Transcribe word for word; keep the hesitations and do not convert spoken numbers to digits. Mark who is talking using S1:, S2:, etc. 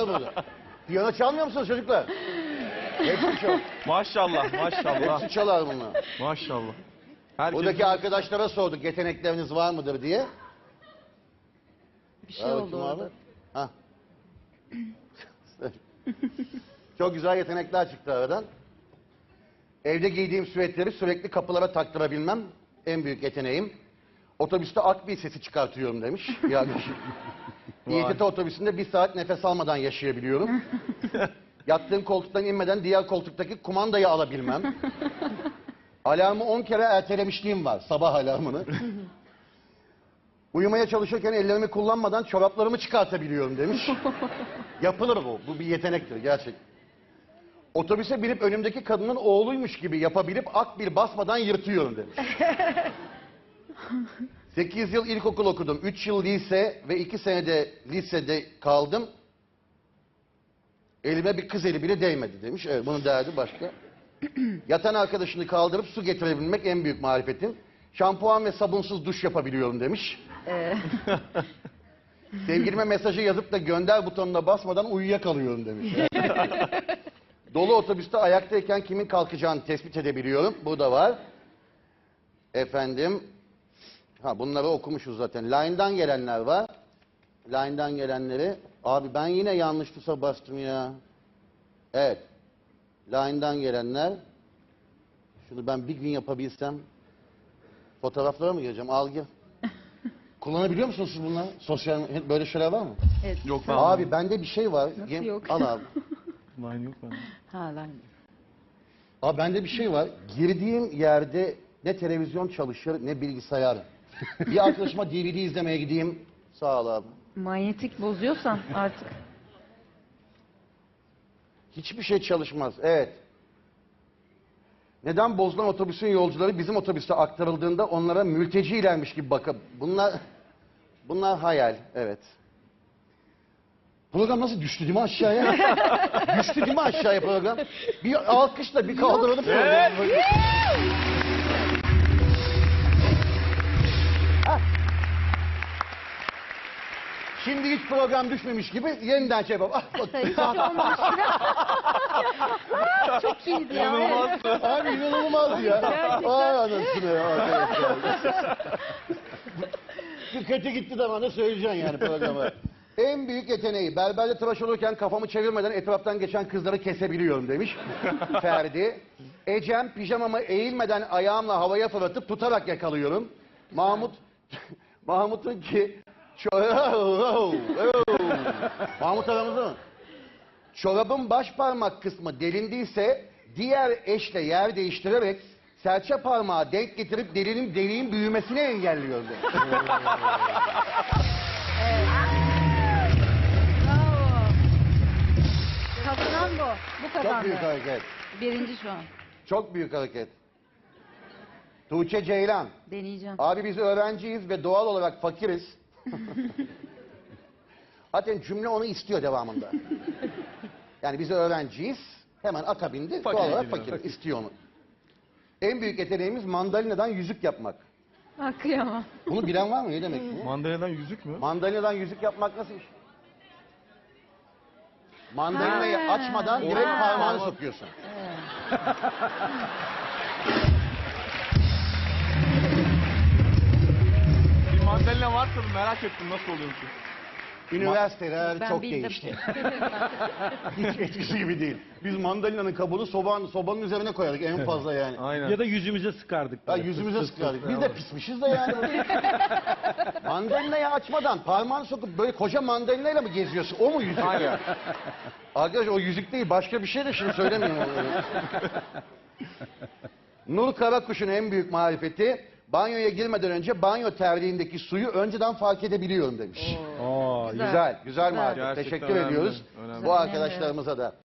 S1: burada. Piyano çalmıyor musunuz çocuklar? Hepsi çal.
S2: Maşallah, maşallah.
S1: Hepsi çalar bunlar.
S2: Maşallah. Herkes...
S1: Buradaki arkadaşlara sorduk yetenekleriniz var mıdır diye.
S3: Bir şey oldu orada.
S1: Ha. Çok güzel yetenekler çıktı aradan. Evde giydiğim süvetleri sürekli kapılara taktırabilmem en büyük yeteneğim. Otobüste akbil sesi çıkartıyorum demiş. Yani İ T T otobüsünde bir saat nefes almadan yaşayabiliyorum. Yattığım koltuktan inmeden diğer koltuktaki kumandayı alabilmem. Alarmı on kere ertelemişliğim var, sabah alarmını. Uyumaya çalışırken ellerimi kullanmadan çoraplarımı çıkartabiliyorum demiş. Yapılır bu, bu bir yetenektir gerçek. Otobüse binip önümdeki kadının oğluymuş gibi yapabilip akbil basmadan yırtıyorum demiş. sekiz yıl ilkokul okudum, üç yıl lise ve iki senede lisede kaldım. Elime bir kız eli bile değmedi demiş. Evet, bunun derdi başka. Yatan arkadaşını kaldırıp su getirebilmek en büyük marifetim. Şampuan ve sabunsuz duş yapabiliyorum demiş.
S3: Ee,
S1: Sevgilime mesajı yazıp da gönder butonuna basmadan uyuyakalıyorum demiş. Dolu otobüste ayaktayken kimin kalkacağını tespit edebiliyorum. Bu da var. Efendim. Ha, bunları okumuşuz zaten. Line'dan gelenler var. Line'dan gelenleri. Abi ben yine yanlış tuşa bastım ya. Evet. Line'dan gelenler. Şunu ben bir gün yapabilsem. Fotoğraflara mı gireceğim? Al gir. Kullanabiliyor musunuz siz bunları? Sosyal böyle şeyler var mı?
S3: evet.
S2: Yok ben.
S1: Abi bende bir şey var.
S3: Nasıl
S1: Yem-
S3: yok?
S1: Al abi.
S2: Line yok bende.
S3: Ha lan.
S1: Abi bende bir şey var. Girdiğim yerde ne televizyon çalışır ne bilgisayar. Bir arkadaşıma D V D izlemeye gideyim. Sağ ol abi.
S3: Manyetik bozuyorsan artık.
S1: Hiçbir şey çalışmaz. Evet. Neden bozulan otobüsün yolcuları bizim otobüste aktarıldığında onlara mültecilermiş gibi bakıp bunlar bunlar hayal. Evet. Program nasıl düştü değil mi aşağıya? Düştü değil mi aşağıya program? Bir alkışla bir kaldıralım programı. Hah. Şimdi hiç program düşmemiş gibi yeniden şey yapalım. Ah, bak.
S3: Hiç olmamış gibi. Çok iyiydi ya. Evet.
S1: Abi inanılmaz ya.
S3: Gerçekten.
S1: Ay anasını ya arkadaşlar. Bir kötü gitti de bana söyleyeceksin yani programa. En büyük yeteneği berberde tıraş olurken kafamı çevirmeden etraftan geçen kızları kesebiliyorum demiş Ferdi. Ecem pijamamı eğilmeden ayağımla havaya fırlatıp tutarak yakalıyorum. Mahmut Mahmut'un ki Mahmut aramızda mı? Çorabın baş parmak kısmı delindiyse diğer eşle yer değiştirerek serçe parmağı denk getirip delinin deliğin büyümesini engelliyor demiş.
S3: Bravo. Kazanan bu. Bu
S1: Çok
S3: kazandı.
S1: büyük hareket.
S3: Birinci şu an.
S1: Çok büyük hareket. Tuğçe Ceylan.
S3: Deneyeceğim.
S1: Abi biz öğrenciyiz ve doğal olarak fakiriz. Zaten cümle onu istiyor devamında. Yani biz öğrenciyiz. Hemen akabinde
S2: Fakir
S1: doğal olarak
S2: geliyor.
S1: fakiriz. İstiyor onu. En büyük yeteneğimiz mandalinadan yüzük yapmak.
S3: Ha, kıyamam.
S1: Bunu bilen var mı? Ne demek bu?
S2: Mandalinadan yüzük mü?
S1: Mandalinadan yüzük yapmak nasıl iş? Mandalinayı
S3: Ha.
S1: açmadan direkt
S3: Ha.
S1: parmağını sokuyorsun.
S2: Bir mandalina varsa da merak ettim nasıl oluyor ki?
S1: Üniversiteler
S3: Ben
S1: çok
S3: bildim.
S1: değişti. Hiç eskisi gibi değil. Biz mandalinanın kabuğunu sobanın, sobanın üzerine koyardık en fazla yani.
S2: Aynen.
S4: Ya da yüzümüze sıkardık.
S1: Ya
S4: böyle.
S1: yüzümüze
S4: Fıs fıs
S1: sıkardık.
S4: fıs.
S1: Biz de pismişiz de yani. Mandalinayı açmadan parmağını sokup böyle koca mandalinayla mı geziyorsun? O mu yüzük ya? Arkadaş o yüzük değil başka bir şey de şimdi söylemeyeyim onları. Nur Karakuş'un en büyük marifeti banyoya girmeden önce banyo terliğindeki suyu önceden fark edebiliyorum demiş.
S4: Oo,
S3: Güzel.
S1: Güzel, güzel
S3: Güzel.
S1: marifet.
S2: Gerçekten
S1: Teşekkür
S2: önemli,
S1: ediyoruz
S2: önemli.
S1: bu arkadaşlarımıza da.